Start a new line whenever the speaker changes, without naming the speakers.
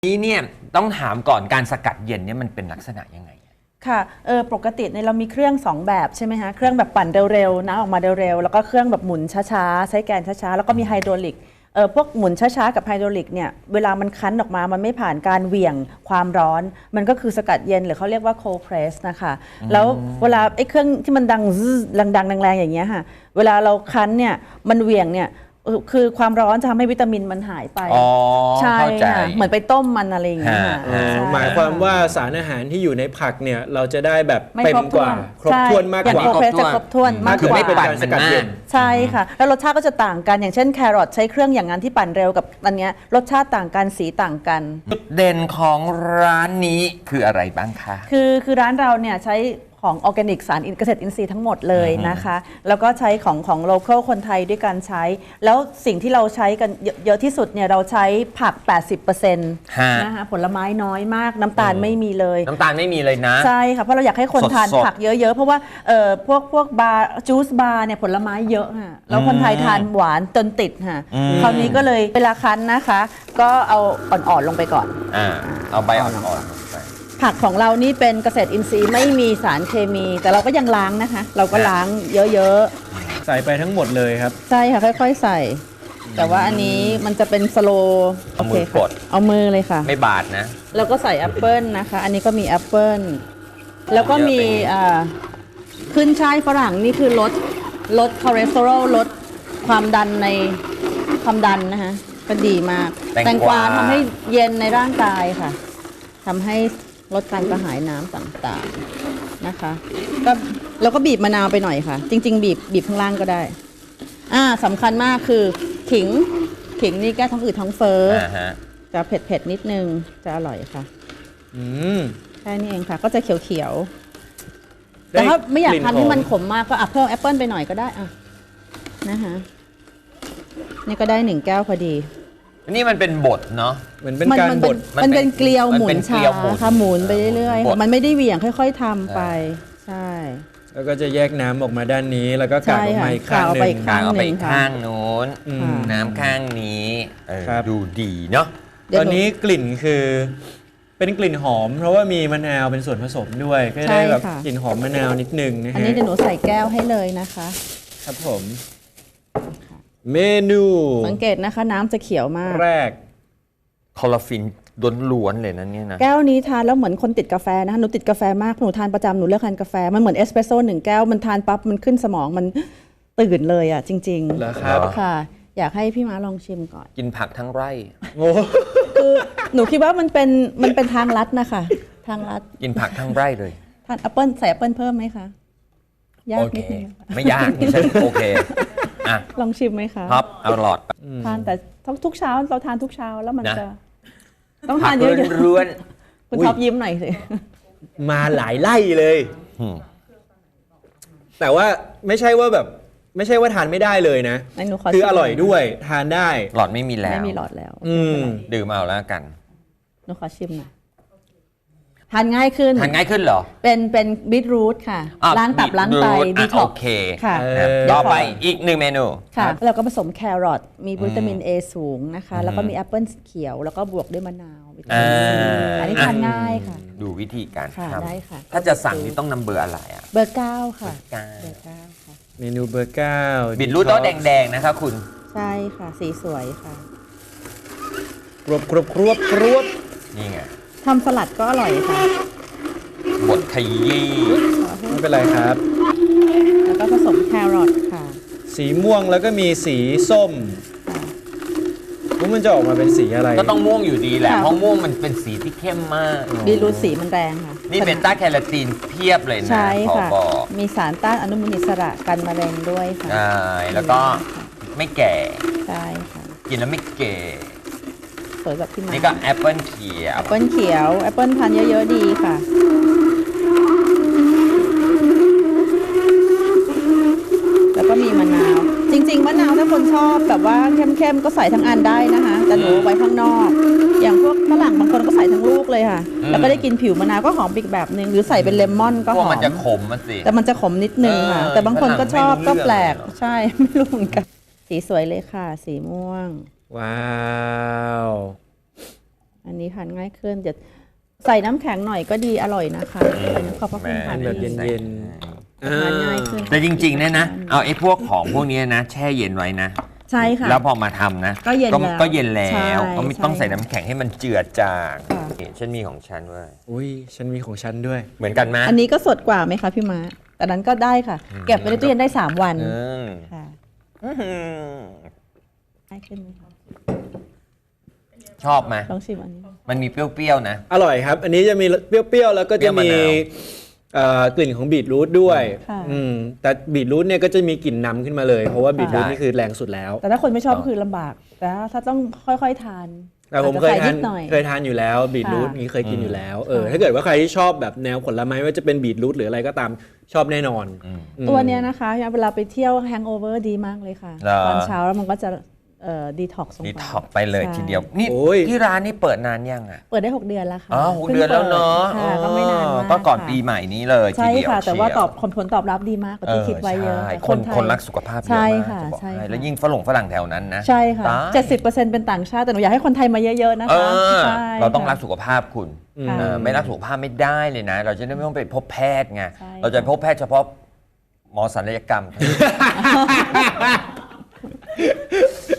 นี้เนี่ยต้องถามก่อนการสกัดเย็นเนี่ยมันเป็นลักษณะยังไง
ค่ะปกติเนี่ยเรามีเครื่อง2แบบใช่ไหมคะเครื่องแบบปั่นเร็วๆน้ำออกมาเร็วๆแล้วก็เครื่องแบบหมุนช้าๆใช้แกนช้าๆแล้วก็มีไฮดรอลิกพวกหมุนช้าๆกับไฮดรอลิกเนี่ยเวลามันคั้นออกมามันไม่ผ่านการเหวี่ยงความร้อนมันก็คือสกัดเย็นหรือเขาเรียกว่า cold press นะคะแล้วเวลาไอ้เครื่องที่มันดังดังแรงๆอย่างเงี้ยค่ะเวลาเราคั้นเนี่ยมันเหวี่ยงเนี่ยคือความร้อนจะทำให้วิตามินมันหายไปใช่ค่ะเหมือนไปต้มมันอะไรอย่างเงี้ย
หมายความว่าสารอาหารที่อยู่ในผักเนี่ยเราจะได้แบบเต็มกว่าครบถ้วนมากกว่า
อย่างโคเพรสจะครบถ้วนมากกว่า
ไม่ปั่นสกัดเย็น
ใช่ค่ะแล้วรสชาติก็จะต่างกันอย่างเช่นแครอทใช้เครื่องอย่างนั้นที่ปั่นเร็วกับอันเนี้ยรสชาติต่างกันสีต่างกัน
จุดเด่นของร้านนี้คืออะไรบ้างคะ
คือร้านเราเนี่ยใช้ของออร์แกนิกสารเกษตรอินทรีย์ทั้งหมดเลยนะคะแล้วก็ใช้ของโลเคอลคนไทยด้วยการใช้แล้วสิ่งที่เราใช้กันเยอะที่สุดเนี่ยเราใช้ผัก 80% นะคะผลไม้น้อยมากน้ำตาลไม่มีเลย
น้ำตาลไม่มีเลยนะ
ใช่ค่ะเพราะเราอยากให้คนทานผักเยอะๆเพราะว่าพวกบาร์จูสบาร์เนี่ยผลไม้เยอะค่ะแล้วคนไทยทานหวานจนติดค่ะคราวนี้ก็เลยเวลาคั้นนะคะก็เอาอ่อนๆลงไปก่อน
เอาใบอ่อนๆลงไป
ผักของเรานี่เป็นเกษตรอินทรีย์ไม่มีสารเคมี แต่เราก็ยังล้างนะคะเราก็ล้างเยอะ
ๆใส่ไปทั้งหมดเลยครับ
ใช่ค่ะค่อยๆใส่ แต่ว่าอันนี้มันจะเป็นสโลว์
เอามือกด
เอามือเลยค่ะ
ไม่บาดนะ
แล้วก็ใส่แอปเปิลนะคะอันนี้ก็มีแอปเปิลแล้วก็มีขึ้นช่ายฝรั่งนี่คือลดคอเลสเตอรอลลดความดันในความดันนะคะก็ดีมากแตงกวาทำให้เย็นในร่างกายค่ะทำให้ลดการกระหายน้ำต่างๆนะคะก็แล้วก็บีบมะนาวไปหน่อยค่ะจริงๆบีบข้างล่างก็ได้สำคัญมากคือขิงนี่แก้ท้องอืดท้องเฟ้อจะเผ็ดนิดนึงจะอร่อยค่ะแค่นี้เองค่ะก็จะเขียวๆแต่ถ้าไม่อยากทานให้มันขมมากก็เพิ่มแอปเปิลไปหน่อยก็ได้นะคะนี่ก็ได้1 แก้วพอดี
นี่มันเป็นบดเนาะ
มันเป็นการบด
มันเป็นเกลียวหมุนชาค่ะหมุนไปเรื่อยๆมันไม่ได้เหวี่ยงค่อยๆทำไปใช่
แล้วก็จะแยกน้ำออกมาด้านนี้แล้วก็กากออกมาอีกข้างหนึ่ง
กากออกไปอีกข้างโน้นน้ำข้างนี้ดูดีเนาะ
ตอนนี้กลิ่นคือเป็นกลิ่นหอมเพราะว่ามีมะนาวเป็นส่วนผสมด้วยก็ได้แบบกลิ่นหอมมะนาวนิดนึงนะฮะ
อันนี้เดี๋ยวหนูใส่แก้วให้เลยนะคะ
ครับผมเมนู
สังเกตนะคะน้ำจะเขียวมาก
แรก
คอลลาฟินล้วนๆเลยนะเนี่ยนะ
แก้วนี้ทานแล้วเหมือนคนติดกาแฟนะคะหนูติดกาแฟมากหนูทานประจำหนูเลิกทานกาแฟมันเหมือนเอสเปรสโซ่1 แก้วมันทานปั๊บมันขึ้นสมองมันตื่นเลยจริงๆ
เหรอครับ
ค่ะอยากให้พี่ม้าลองชิมก่อน
กินผักทั้งไร่
คือหนูคิดว่ามันเป็นทางลัดนะคะทางลัด
กินผักทั้งไร่เลย
ทานแอปเปิ้ลใส่แอปเปิ้ลเพิ่มไหมคะยากนิดนึง
ไม่ยากฉันโอเค
ลองชิมไหมคะ
ครับเอาหลอด
ทานแต่ทุกเช้าเราทานทุกเช้าแล้วมันจะต้องทานเยอะๆคุณท็อปยิ้มหน่อยสิ
มาหลายไล่เลยแต่ว่าไม่ใช่ว่าทานไม่ได้เลยนะคืออร่อยด้วยทานได้
หลอดไม่มีแล้ว
ไม่มีหลอดแล้ว
ดื่มเอาแล้วกัน
หนูขอชิมหน่อยทานง่ายขึ้น
เหรอ
เป็นบีทรูทค่ะล้างตับล้างไตดีท็อกซ์ค่ะ
ต่อไปอีก1 เมนู
ค่ะแล้วก็ผสมแครอทมีวิตามิน A สูงนะคะแล้วก็มีแอปเปิลเขียวแล้วก็บวกด้วยมะนาวอันนี้ทานง่ายค่ะ
ดูวิธีการทำ
ได้ค่ะ
ถ้าจะสั่งนี่ต้องนำเบอร์อะไร
เบอร์9ค่ะเบอร์9ค่ะ
เมนูเบอร์9
บิดรูทโต๊ะแดงๆนะคะคุณ
ใช่ค่ะสีสวยค่ะ
ครบ
นี่ไงทำสลัดก็อร่อยค่ะ
บดขยี้
ไม่เป็นไรครับ
แล้วก็ผสมแครอทค่ะ
สีม่วงแล้วก็มีสีส้มมันจะออกมาเป็นสีอะไร
ก็ต้องม่วงอยู่ดีแหละเพราะม่วงมันเป็นสีที่เข้มมาก
บีรูทสีมันแรงค่ะ
นี่เบต้าแคโรทีนเพียบเลยนะ
ใช่ค่ะมีสารต้านอนุมูลอิสระกันมะเร็งด้วยค่ะ
ใช่แล้วก็ไม่แก่
ใช่ค่ะ
กินแล้วไม่แก่
สวยแบบที่
นี่ก็แอปเปิลเขียว
แอปเปิลทานเยอะๆดีค่ะแล้วก็มีมะนาวจริงๆมะนาวถ้าคนชอบแบบว่าเข้มๆก็ใส่ทั้งอันได้นะคะแต่หนูไว้ข้างนอกอย่างพวกฝรั่งบางคนก็ใส่ทั้งลูกเลยค่ะแล้วก็ได้กินผิวมะนาวก็หอมอีกแบบนึงหรือใส่เป็นเลมอนก็หอม
มันจะขมสิ
แต่มันจะขมนิดนึงค่ะแต่บางคนก็ชอบก็แปลกใช่ไม่รู้เหมือนกันสีสวยเลยค่ะสีม่วง
ว้าว
อันนี้ทานง่ายขึ้นจะใส่น้ำแข็งหน่อยก็ดีอร่อยนะคะขอบพระคุณค่ะ
แบบเย็น
ทานง่ายขึ้น
แต่จริงๆเนี่ยนะเอาไอ้พวกของพวกนี้นะแช่เย็นไว้นะ
ใช่ค่ะ
แล้วพอมาทำนะ
ก็เย็นแล้ว
ก็เย็นแล้
ใช่
วก็ไม่ต้อง
ใช่
ใส่น้ำแข็งให้มันเจือจาง
ค่ะ
นี่ฉันมีของฉันเว้ย
อุ้ยฉันมีของฉันด้วย
เหมือนกันไหม
อันนี้ก็สดกว่าไหมคะพี่ม้าแต่นั้นก็ได้ค่ะ เก็บไว้ในตู้เย็นได้3 วัน
อืม
ค่ะ
อื้อหือ
ง่ายขึ้นไหมคะ
ชอบไหม
ลองชิมอันนี้
มันมีเปรี้ยวๆนะ
อร่อยครับ อันนี้จะมีเปรี้ยวๆแล้วก็จะมี
เปรี้ยวมะนาว
กลิ่นของบีทรูทด้วย
ค่ะ
แต่บีทรูทเนี่ยก็จะมีกลิ่นนำขึ้นมาเลย เพราะว่าบีทรูท
ใช่
นี่คือแรงสุดแล้ว
แต่ถ้าคนไม่ชอบก็คือลำบาก แต่ถ้าต้องค่อยๆทาน
แต่ผม
อาจ
เค
จะ
ย
ใส่
ทา
นิ
น
ดหน่อย
เคยทานอยู่แล้วบีทรูท
ค่ะ
นี้เคยกินอยู่แล้วถ้าเกิดว่าใครที่ชอบแบบแนวผลไม้ว่าจะเป็นบีทรูทหรืออะไรก็ตามชอบแน่นอน
ตัวเนี้ยนะคะเวลาไปเที่ยวแฮงโอเวอร์ดีมากเลยค่ะ
เหรอ
ตอนเช้าแล้วมันก็จะดีท็อกซ์ลง
ดี
ไป
ท็อกไปเลย
ใช่
ทีเดียว นี่
โอ้ย
ที่ร้านนี่เปิดนานยังอ่ะ
เปิดได้ 6 เดือนแล้วค่ะ
อ๋อหกเดือนแล้วเนาะ
ค่ะก็ไม่นานมาก
ก็ก่อน
ค่ะ
ปีใหม่นี้เลยที
ใช่
เดียว
ค่ะ แต่ว่า
เชียว
ผลตอบรับดีมากกว่าที่คิดไว้เยอะ
ใช่
ค่ะ
คน
ไทย
คนรักสุขภาพเยอะ
ใช่
มาก
ค่ะ
จะบอก
ใช่
ให้
ค่ะ
แล้วยิ่งฝรั่งแถวนั้นนะ
ใช่ค่ะ
ตาย
70%เป็นต่างชาติแต่หนูอยากให้คนไทยมาเยอะๆนะ
เอ
คะ
อ
ใช่
เราต้อง
ค่ะ
รักสุขภาพคุณ
ค่ะ
ไม่รักสุขภาพไม่ได้เลยนะ เราจะได้ไม่ต้องไปพบแพทย์ไง
ใช่
เราจะพบแพทย์เฉพาะหมอศัลยกรรม